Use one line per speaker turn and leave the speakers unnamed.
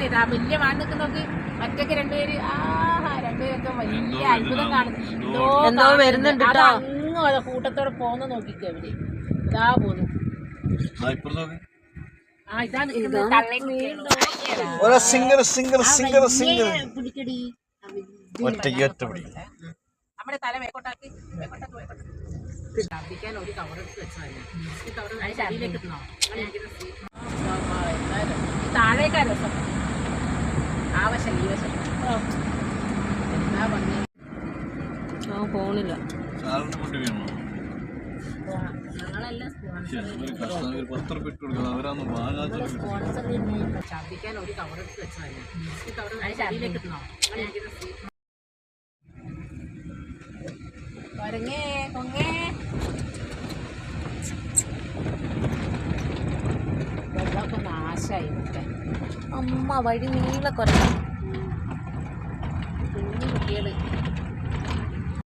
അറിയാം ആ വലിയ വാൻ നിൽക്കുന്നോക്ക് മറ്റൊക്കെ രണ്ടുപേര് രണ്ടുപേരൊക്കെ വലിയ അത്ഭുതം കാണുന്നു
വരുന്നുണ്ട്
അങ്ങ് കൂട്ടത്തോടെ പോകുന്ന നോക്കിക്കോ അവര് ഇതാ പോന്നു പിടിക്കടി നമ്മുടെ തല വേക്കോട്ടാക്കി ഛർദിക്കാൻ ഒരു കവറെടുത്ത് വെച്ചാൽ ശരീരത്തിലേക്ക് ഇടണോ താഴേക്കാ രസം ആവശ്യം ഈ വശം എന്താ ഭംഗി
ഫോണില്ല
ഛർദിക്കാൻ ഒരു കവറെടുത്ത് വെച്ചാൽ ശരീരത്തിലേക്ക് ഇടണോ കൊരങ്ങേ കൊങ്ങേ വെള്ളമൊക്കെ നാശമായി അമ്മ വഴി നീളെ കൊരങ്ങ